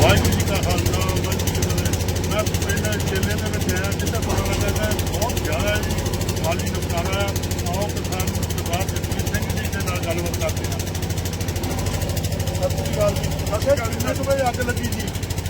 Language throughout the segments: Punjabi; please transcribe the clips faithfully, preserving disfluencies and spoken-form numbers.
ਵਾਹਿਗੁਰੂ ਜੀ ਕਾ ਖਾਲਸਾ ਵਾਹਿਗੁਰੂ ਜੀ ਕੀ ਫਤਿਹ। ਮੈਂ ਪਿੰਡ ਚੇਲੇ ਦੇ ਵਿੱਚ ਆਇਆ ਜਿੱਥੇ ਪਤਾ ਲੱਗਾ ਕਿ ਬਹੁਤ ਜ਼ਿਆਦਾ ਜੀ ਮਾਲੀ ਨੁਕਸਾਨ ਆਇਆ। ਆਓ ਕਿਸਾਨ ਸਰਦਾਰ ਜਸਵੀਰ ਸਿੰਘ ਜੀ ਦੇ ਨਾਲ ਗੱਲਬਾਤ ਕਰਦੇ ਹਾਂ। ਸਤਿ ਸ਼੍ਰੀ ਅਕਾਲ ਜੀ। ਸਤਿ ਸ਼੍ਰੀ ਅਕਾਲ ਜੀ। ਕਿੰਨੇ ਕੁ ਵਜੇ ਅੱਗ ਲੱਗੀ ਜੀ?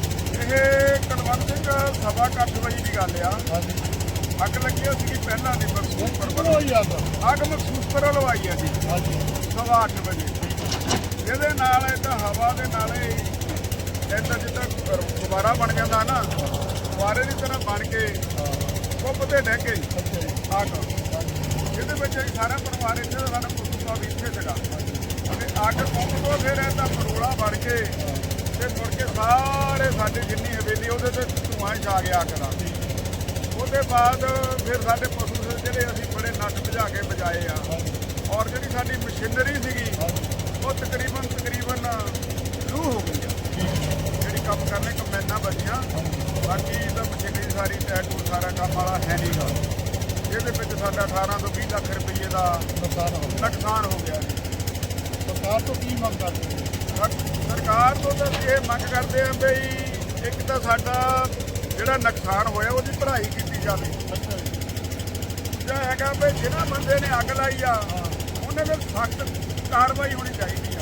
ਇਹ ਕੁਲਵੰਤ ਸਿੰਘ ਸਵਾ ਕੁ ਅੱਠ ਵਜੇ ਦੀ ਗੱਲ ਆ। ਹਾਂਜੀ। ਅੱਗ ਲੱਗੀ ਸੀਗੀ ਪਹਿਲਾਂ ਦੀ ਮਖਸੂਸਪੁਰ ਕਿੱਥੋਂ ਵੱਲੋਂ। ਹੋਈ ਅੱਗ? ਅੱਗ ਮਖਸੂਸਪੁਰ ਵੱਲੋਂ ਆਈ ਆ ਜੀ ਹਾਂਜੀ। ਸਵਾ ਅੱਠ ਵਜੇ। ਇਹਦੇ ਨਾਲ ਏਦਾਂ ਹਵਾ ਦੇ ਨਾਲੇ ਏਦਾਂ ਜਿੱਦਾਂ ਗੁਬਾਰਾ ਬਣ ਜਾਂਦਾ ਨਾ, ਗੁਬਾਰੇ ਦੀ ਤਰ੍ਹਾਂ ਬਣ ਕੇ ਕੁੱਪ ਤੇ ਡਹਿ ਗਈ ਅੱਗ। ਇਹਦੇ ਵਿੱਚ ਅਸੀਂ ਸਾਰਾ ਪਰਿਵਾਰ ਇੱਥੇ ਦਾ, ਸਾਡਾ ਕੁੱਪਾ ਵੀ ਇੱਥੇ ਸੀਗਾ ਤੇ ਅੱਗ ਕੁੱਪ ਤੋਂ ਫਿਰ ਏਦਾਂ ਮਰੋੜਾ ਬਣ ਕੇ ਤੇ ਮੁੜ ਕੇ ਸਾਰੇ ਸਾਡੇ ਜਿੰਨੀ ਹਵੇਲੀ ਉਹਦੇ ਤੇ ਧੂੰਆਂ ਛਾ ਗਿਆ ਅੱਗ ਦਾ। ਉਹਦੇ ਬਾਅਦ ਫਿਰ ਸਾਡੇ ਪਸ਼ੂ ਸੀ ਜਿਹੜੇ ਅਸੀਂ ਬੜੇ ਨੱਠ ਭਜਾ ਕੇ ਬਚਾਏ ਆ। ਔਰ ਜਿਹੜੀ ਸਾਡੀ ਮਸ਼ੀਨਰੀ ਸੀਗੀ ਉਹ ਤਕਰੀਬਨ ਤਕਰੀਬਨ ਲੂਹ ਹੋ ਗਈ ਆ। ਜਿਹੜੀ ਕੰਮ ਕਰਨੇ ਕੰਬਾਈਨਾਂ ਬਚੀਆਂ, ਬਾਕੀ ਤਾਂ ਮਸ਼ੀਨਰੀ ਸਾਰੀ ਟੈਟੂ ਸਾਰਾ ਕੰਮ ਵਾਲਾ ਹੈ ਨਹੀਂ ਗਾ। ਇਹਦੇ ਵਿੱਚ ਸਾਡਾ ਅਠਾਰਾਂ ਤੋਂ ਵੀਹ ਲੱਖ ਰੁਪਈਏ ਦਾ ਨੁਕਸਾਨ ਹੋ ਗਿਆ। ਨੁਕਸਾਨ ਹੋ ਗਿਆ ਜੀ। ਸਰਕਾਰ ਤੋਂ ਕੀ ਮੰਗ ਕਰਦੇ ਹੋ? ਸਰ- ਸਰਕਾਰ ਤੋਂ ਤਾਂ ਅਸੀਂ ਇਹ ਮੰਗ ਕਰਦੇ ਆ ਬਈ ਇੱਕ ਤਾਂ ਸਾਡਾ ਜਿਹੜਾ ਨੁਕਸਾਨ ਹੋਇਆ ਉਹਦੀ ਭਰਾਈ ਕੀਤੀ ਜਾਵੇ। ਅੱਛਾ ਜੀ। ਦੂਜਾ ਹੈਗਾ ਵੀ ਜਿਹੜਾ ਬੰਦੇ ਨੇ ਅੱਗ ਲਾਈ ਆ ਉਹਨੇ ਫਿਰ ਸਖਤ ਕਾਰਵਾਈ ਹੋਣੀ ਚਾਹੀਦੀ ਆ।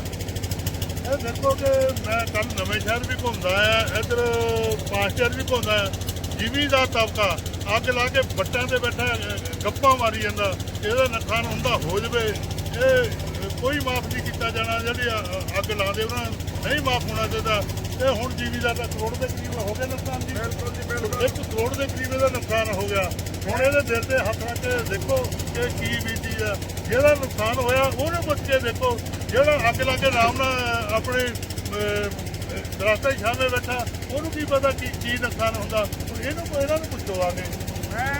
ਇਹ ਦੇਖੋ ਕਿ ਮੈਂ ਕੱਲ ਨਵੇਂ ਸ਼ਹਿਰ ਵੀ ਘੁੰਮਦਾ ਆ, ਇੱਧਰ ਪਾਸਚਰ ਵੀ ਘੁੰਮਦਾ ਆ। ਜ਼ਿਮੀਂਦਾਰ ਤਬਕਾ ਅੱਗ ਲਾ ਕੇ ਵੱਟਾਂ ਤੇ ਬੈਠਾ ਗੱਪਾਂ ਮਾਰੀ ਜਾਂਦਾ। ਇਹਦਾ ਨੁਕਸਾਨ ਹੁੰਦਾ ਹੋ ਜਾਵੇ, ਇਹ ਕੋਈ ਮਾਫ ਨਹੀਂ ਕੀਤਾ ਜਾਣਾ। ਜਿਹੜੀ ਅੱਗ ਲਾਉਂਦੇ ਉਹਨਾਂ ਨਹੀਂ ਮਾਫ ਹੋਣਾ ਚਾਹੀਦਾ। ਇਹ ਹੁਣ ਜ਼ਿਮੀਂਦਾਰ ਦਾ ਕਰੋੜ ਦੇ ਕਰੀਬ ਹੋ ਗਿਆ ਨੁਕਸਾਨ ਜੀ। ਬਿਲਕੁਲ ਜੀ ਬਿਲਕੁਲ। ਇੱਕ ਕਰੋੜ ਦੇ ਕਰੀਬ ਇਹਦਾ ਨੁਕਸਾਨ ਹੋ ਗਿਆ। ਹੁਣ ਇਹਦੇ ਦਿਲ ਤੇ ਹੱਥ ਰੱਖ ਕੇ ਦੇਖੋ ਕਿ ਕੀ ਬੀਤੀ ਆ। ਜਿਹਦਾ ਨੁਕਸਾਨ ਹੋਇਆ ਉਹਨੂੰ ਪੁੱਛ ਕੇ ਦੇਖੋ। ਜਿਹੜਾ ਅੱਗ ਲਾ ਕੇ ਆਰਾਮ ਨਾਲ ਆਪਣੇ ਦਰਖਤਾਂ ਦੀ ਛਾਂ ਦੇ ਬੈਠਾ, ਉਹਨੂੰ ਕੀ ਪਤਾ ਕੀ ਕੀ ਨੁਕਸਾਨ ਹੁੰਦਾ। ਹੁਣ ਇਹਨੂੰ ਇਹਨਾਂ ਨੂੰ ਪੁੱਛੋ ਆ ਕੇ। ਮੈਂ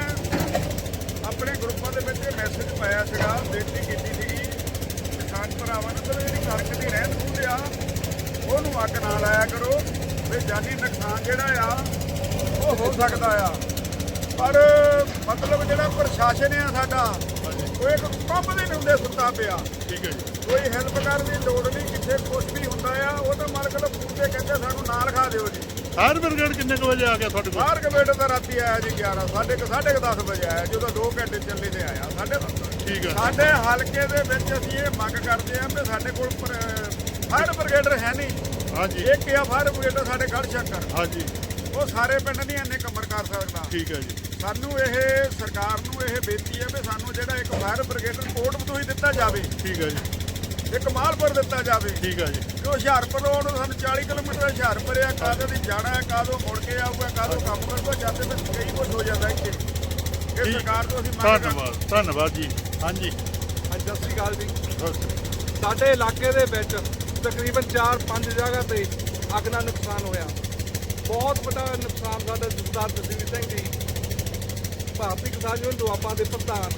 ਆਪਣੇ ਗਰੁੱਪਾਂ ਦੇ ਵਿੱਚ ਮੈਸੇਜ ਪਾਇਆ ਸੀਗਾ, ਬੇਨਤੀ ਕੀਤੀ ਸੀਗੀ ਕਿਸਾਨ ਭਰਾਵਾਂ ਨੂੰ ਕਿ ਜਿਹੜੀ ਕਣਕ ਦੀ ਰਹਿੰਦ ਖੂੰਹਦ ਆ ਉਹਨੂੰ ਅੱਗ ਨਾ ਲਾਇਆ ਕਰੋ ਵੀ ਜਾਨੀ ਨੁਕਸਾਨ ਜਿਹੜਾ ਆ ਉਹ ਹੋ ਸਕਦਾ ਆ। ਪਰ ਮਤਲਬ ਜਿਹੜਾ ਪ੍ਰਸ਼ਾਸਨ ਆ ਸਾਡਾ ਉਹ ਇੱਕ ਕੰਮ ਦੇ ਹੁੰਦੇ ਸੁੱਤਾ ਪਿਆ। ਠੀਕ ਹੈ ਜੀ। ਕੋਈ ਹੈਲਪ ਕਰਨ ਦੀ ਲੋੜ ਨਹੀਂ। ਕਿੱਥੇ ਕੁਛ ਵੀ ਹੁੰਦਾ ਆ ਉਹ ਤਾਂ ਮਾਲਕ ਦਾ ਪੂਰੇ ਕਹਿੰਦੇ ਸਾਨੂੰ ਨਾਲ ਖਾ ਦਿਓ ਜੀ। ਫਾਇਰ ਬ੍ਰਿਗੇਡ ਕਿੰਨੇ ਕੁ ਵਜੇ ਆ ਗਿਆ ਤੁਹਾਡੇ ਕੋਲ? ਬਾਹਰ ਕਮੇਟ ਦਾ ਰਾਤੀ ਆਇਆ ਜੀ ਗਿਆਰਾਂ ਸਾਢੇ ਕੁ ਸਾਢੇ ਕੁ ਦਸ ਵਜੇ ਆਇਆ। ਜਦੋਂ ਦੋ ਘੰਟੇ ਚੱਲੇ ਤੇ ਆਇਆ ਸਾਢੇ ਦਸ। ਠੀਕ ਹੈ। ਸਾਡੇ ਹਲਕੇ ਦੇ ਵਿੱਚ ਅਸੀਂ ਇਹ ਮੰਗ ਕਰਦੇ ਹਾਂ ਵੀ ਸਾਡੇ ਕੋਲ ਫਾਇਰ ਬ੍ਰਿਗੇਡਰ ਹੈ ਨਹੀਂ। ਹਾਂਜੀ। ਇੱਕ ਆ ਫਾਇਰ ਬ੍ਰਿਗੇਡਰ ਸਾਡੇ ਗੜ੍ਹ ਸ਼ੰਕਰ, ਹਾਂਜੀ। ਉਹ ਸਾਰੇ ਪਿੰਡ ਨਹੀਂ ਇੰਨੇ ਕਮਰ ਕਰ ਸਕਦਾ। ਠੀਕ ਹੈ ਜੀ। ਸਾਨੂੰ ਇਹ ਸਰਕਾਰ ਨੂੰ ਇਹ ਬੇਨਤੀ ਹੈ ਵੀ ਸਾਨੂੰ ਜਿਹੜਾ ਇੱਕ ਫਾਇਰ ਬ੍ਰਿਗੇਡਰ ਕੋਟ ਬਤੂਹੀ ਦਿੱਤਾ ਜਾਵੇ, ਠੀਕ ਹੈ ਜੀ। ਇੱਕ ਮਾਲਪੁਰ ਦਿੱਤਾ ਜਾਵੇ। ਠੀਕ ਹੈ ਜੀ। ਜੋ ਹੁਸ਼ਿਆਰਪੁਰ ਰੋਡ ਸਾਨੂੰ ਚਾਲੀ ਕਿਲੋਮੀਟਰ ਹੁਸ਼ਿਆਰਪੁਰ ਆ, ਕਾਦੋਂ ਦੀ ਜਾਣਾ ਹੈ, ਕਾਦੋਂ ਮੁੜ ਕੇ ਆਊਗਾ, ਕਾਦੋਂ ਕੰਮ ਕਰੂਗਾ, ਜਾਂਦੇ ਵਿੱਚ ਕਈ ਕੁਝ ਹੋ ਜਾਂਦਾ ਇੱਥੇ। ਇਹ ਠੀਕ। ਸਰਕਾਰ ਤੋਂ ਅਸੀਂ ਮੰਗ ਕਰਦੇ ਹਾਂ। ਧੰਨਵਾਦ ਧੰਨਵਾਦ ਜੀ। ਹਾਂਜੀ। ਹਾਂਜੀ, ਸਤਿ ਸ਼੍ਰੀ ਅਕਾਲ ਜੀ। ਬਸ। ਸਾਡੇ ਇਲਾਕੇ ਦੇ ਵਿੱਚ ਤਕਰੀਬਨ ਚਾਰ ਪੰਜ ਜਗ੍ਹਾ ਤੇ ਅੱਗ ਨਾਲ ਨੁਕਸਾਨ ਹੋਇਆ। ਬਹੁਤ ਵੱਡਾ ਨੁਕਸਾਨ ਸਾਡਾ ਸਰਦਾਰ ਜਸਵੀਰ ਸਿੰਘ ਜੀ, ਭਾਰਤੀ ਕਿਸਾਨ ਯੂਨੀਅਨ ਦੁਆਬਾ ਦੇ ਪ੍ਰਧਾਨ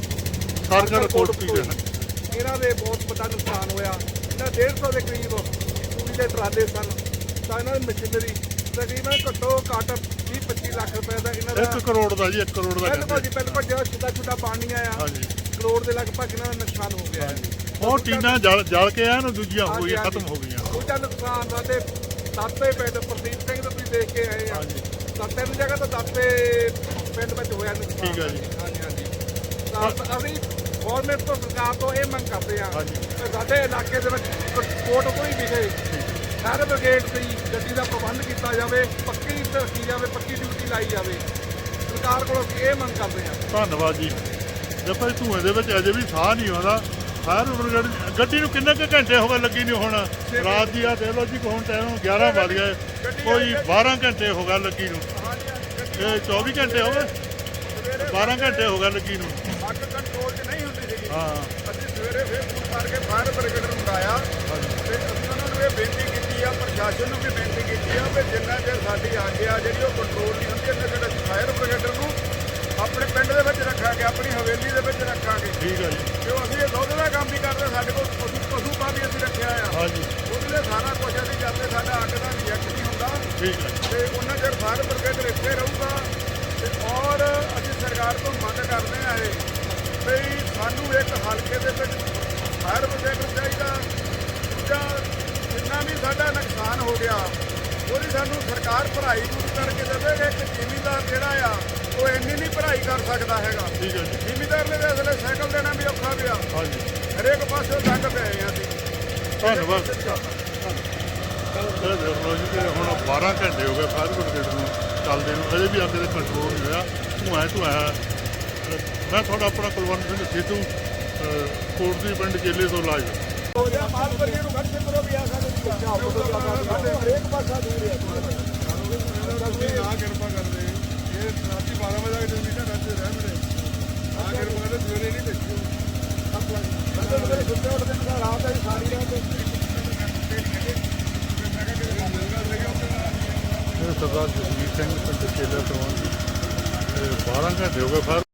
ਸਰਕਾਰ ਕੋਟ ਪੀ ਗਿਆ। ਇਹਨਾਂ ਦੇ ਬਹੁਤ ਵੱਡਾ ਨੁਕਸਾਨ ਹੋਇਆ। ਇਹਨਾਂ ਡੇਢ ਸੌ ਦੇ ਕਰੀਬ ਤੂੜੀ ਦੇ ਟਰਾਲੇ ਸਨ, ਤਾਂ ਇਹਨਾਂ ਦੀ ਮਸ਼ੀਨਰੀ ਤਕਰੀਬਨ ਘੱਟੋ ਘੱਟ ਵੀਹ ਪੱਚੀ ਲੱਖ ਰੁਪਏ ਦਾ ਇਹਨਾਂ ਦਾ। ਇੱਕ ਕਰੋੜ ਦਾ ਜੀ। ਇੱਕ ਕਰੋੜ ਦਾ ਬਿਲਕੁਲ ਜੀ ਬਿਲਕੁਲ। ਜਿਹੜਾ ਛੋਟਾ ਛੋਟਾ ਪਾਣੀ ਆਇਆ, ਹਾਂਜੀ। ਕਰੋੜ ਦੇ ਲਗਭਗ ਇਹਨਾਂ ਦਾ ਨੁਕਸਾਨ ਹੋ ਗਿਆ ਹੈ। ਉਹ ਟੀਨਾਂ ਜਲ ਜਲ ਕੇ ਆ ਨਾ, ਦੂਜੀਆਂ ਹੋ ਹਾਂਜੀ, ਗਈਆਂ, ਹਾਂਜੀ। ਖਤਮ ਹੋ ਗਈਆਂ। ਉਹਦਾ ਨੁਕਸਾਨ ਸਾਡੇ ਦਾਤੇ ਪਿੰਡ ਪ੍ਰਦੀਪ ਸਿੰਘ ਤੋਂ ਤੁਸੀਂ ਦੇਖ ਕੇ ਆਏ ਆ। ਹਾਂਜੀ। ਤਾਂ ਤਿੰਨ ਜਗ੍ਹਾ ਤੋਂ ਦਾਤੇ ਪਿੰਡ ਵਿੱਚ ਹੋਇਆ ਨੁਕਸਾਨ। ਠੀਕ ਹੈ ਜੀ। ਹਾਂਜੀ ਹਾਂਜੀ। ਤਾਂ ਅਸੀਂ ਗੌਰਮੈਂਟ ਤੋਂ ਸਰਕਾਰ ਤੋਂ ਇਹ ਮੰਗ ਕਰਦੇ ਆ ਹਾਂਜੀ। ਕਿ ਸਾਡੇ ਇਲਾਕੇ ਦੇ ਵਿੱਚ ਕੋਟ ਕੋਈ ਵਿਖੇ ਫਾਇਰ ਬ੍ਰਿਗੇਡ ਦੀ ਗੱਡੀ ਦਾ ਪ੍ਰਬੰਧ ਕੀਤਾ ਜਾਵੇ, ਪੱਕੀ ਰੱਖੀ ਜਾਵੇ, ਪੱਕੀ ਡਿਊਟੀ ਲਾਈ ਜਾਵੇ। ਸਰਕਾਰ ਕੋਲੋਂ ਅਸੀਂ ਇਹ ਮੰਗ ਕਰਦੇ ਆ। ਧੰਨਵਾਦ ਜੀ। ਦੇਖੋ ਜੀ ਧੂਏ ਦੇ ਵਿੱਚ ਅਜੇ ਵੀ ਸਾਹ ਨਹੀਂ ਆਉਂਦਾ। ਫਾਇਰ ਬ੍ਰਿਗੇਡ ਗੱਡੀ ਨੂੰ ਕਿੰਨੇ ਕੁ ਘੰਟੇ ਹੋ ਗਏ ਲੱਗੀ ਨਹੀਂ? ਹੁਣ ਰਾਤ ਦੀ ਆ ਦੇਖ ਲਓ ਜੀ, ਹੁਣ ਟਾਈਮ ਗਿਆਰਾਂ ਵੱਜ ਗਏ, ਕੋਈ ਬਾਰਾਂ ਘੰਟੇ ਹੋ ਗਏ ਲੱਗੀ ਨੂੰ। ਇਹ ਚੌਵੀ ਘੰਟੇ ਹੋ ਗਏ, ਬਾਰਾਂ ਘੰਟੇ ਹੋ ਗਏ ਲੱਗੀ ਨੂੰ। ਅੱਗ ਕੰਟਰੋਲ 'ਚ ਨਹੀਂ ਹੁੰਦੀ ਸੀਗੀ। ਹਾਂ। ਅਸੀਂ ਸਵੇਰੇ ਫਿਰ ਫੋਨ ਕਰਕੇ ਫਾਇਰ ਬ੍ਰਿਗੇਡ ਨੂੰ ਬੁਲਾਇਆ ਤੇ ਅਸੀਂ ਉਹਨਾਂ ਨੂੰ ਇਹ ਬੇਨਤੀ ਕੀਤੀ ਆ, ਪ੍ਰਸ਼ਾਸਨ ਨੂੰ ਵੀ ਬੇਨਤੀ ਕੀਤੀ ਆ ਵੀ ਜਿੰਨਾ ਚਿਰ ਸਾਡੀ ਅੱਗ ਆ ਜਿਹੜੀ ਉਹ ਕੰਟਰੋਲ ਨਹੀਂ ਹੁੰਦੀ, ਉਹਨਾਂ ਚਿਰ ਅਸੀਂ ਫਾਇਰ ਬ੍ਰਿਗੇਡਰ ਨੂੰ ਆਪਣੇ ਪਿੰਡ ਦੇ ਵਿੱਚ ਰੱਖਾਂਗੇ, ਆਪਣੀ ਹਵੇਲੀ ਦੇ ਵਿੱਚ ਰੱਖਾਂਗੇ। ਠੀਕ ਹੈ ਜੀ। ਕਿਉਂ ਅਸੀਂ ਇਹ ਦੁੱਧ ਦਾ ਕੰਮ ਵੀ ਕਰਦੇ, ਸਾਡੇ ਕੋਲ ਪਸ਼ੂ ਪਸ਼ੂ ਪਾ ਵੀ ਅਸੀਂ ਰੱਖਿਆ ਆ। ਹਾਂਜੀ। ਉਹਦੇ ਲਈ ਸਾਰਾ ਕੁਝ ਅਸੀਂ ਜਾਂਦੇ, ਸਾਡਾ ਅੱਗ ਦਾ ਰਿਜੈਕਟ ਨਹੀਂ ਹੁੰਦਾ ਠੀਕ ਹੈ। ਤੇ ਉਹਨਾਂ ਚਿਰ ਫਾਇਰ ਬ੍ਰਿਗੇਡ ਇੱਥੇ ਰਹੂਗਾ। ਤੇ ਔਰ ਅਸੀਂ ਸਰਕਾਰ ਤੋਂ ਮੰਗ ਕਰਦੇ ਆ ਇਹ ਵੀ ਸਾਨੂੰ ਇੱਕ ਹਲਕੇ ਦੇ ਵਿੱਚ ਫਾਇਰ ਬ੍ਰਿਗੇਡ ਚਾਹੀਦਾ। ਦੂਜਾ ਜਿੰਨਾ ਵੀ ਸਾਡਾ ਨੁਕਸਾਨ ਹੋ ਗਿਆ ਉਹਦੀ ਸਾਨੂੰ ਸਰਕਾਰ ਭਰਾਈ ਦੂਰ ਕਰਕੇ ਦੇਵੇਗਾ। ਇੱਕ ਜ਼ਿਮੀਂਦਾਰ ਜਿਹੜਾ ਆ ਉਹ ਇੰਨੀ ਨਹੀਂ ਭਰਾਈ ਕਰ ਸਕਦਾ ਹੈਗਾ। ਠੀਕ ਹੈ ਜੀ। ਜ਼ਿਮੀਂਦਾਰ ਨੇ ਤਾਂ ਅਸਲੇ ਸਾਈਕਲ ਦੇਣਾ ਵੀ ਔਖਾ ਪਿਆ, ਹਾਂਜੀ ਹਰੇਕ ਪਾਸੇ ਤੰਗ ਪਏ ਆ ਅਸੀਂ। ਧੰਨਵਾਦ। ਇਹ ਦੇਖ ਲਓ ਜੀ ਕਿ ਹੁਣ ਬਾਰਾਂ ਘੰਟੇ ਹੋ ਗਏ ਫਾਇਰ ਬ੍ਰਿਗੇਡ ਨੂੰ ਚੱਲਦੇ ਨੂੰ, ਅਜੇ ਵੀ ਅੱਗ ਦੇ ਕੰਟਰੋਲ ਨਹੀਂ ਹੋਇਆ। ਧੂੰਆਂ ਧੂੰਆਂ ਹੈ। ਮੈਂ ਤੁਹਾਡਾ ਆਪਣਾ ਕੁਲਵੰਤ ਸਿੰਘ ਸਿੱਧੂ, ਕੋਟਲੀ ਪਿੰਡ ਚੇਲੇ ਤੋਂ ਲਾਈਵ। ਮਾਲਪੁਰੀਏ ਨੂੰ ਘੱਟ ਕਰੋ ਵੀ ਆ ਸਾਡੇ ਹਰੇਕ ਪਾਸਾ ਦੂਰ ਹੈ। ਨਾ ਕਿਰਪਾ ਕਰਦੇ ਇਹ ਰਾਤੀ ਬਾਰਾਂ ਵਜੇ ਤੱਕ ਜਮੀਨ ਰਾਤੇ ਰਹਿ ਮੇਰੇ ਆ ਕਿਰਪਾ ਕਰਦੇ ਸਵੇਰੇ ਨਹੀਂ ਦੇਖਿਓ ਬੰਦੇ ਮੇਰੇ ਸੁੱਤੇ ਉੱਠਦੇ ਨੇ ਰਾਤ ਹੈ ਸਾਰੀ ਰਾਤ। ਇਹ ਸਰਦਾਰ ਜਸਵੀਰ ਸਿੰਘ ਪਿੰਡ ਚੇਲੇ ਤੋਂ ਬਾਰਾਂ ਘੰਟੇ ਹੋ ਗਏ ਫਾਇਰ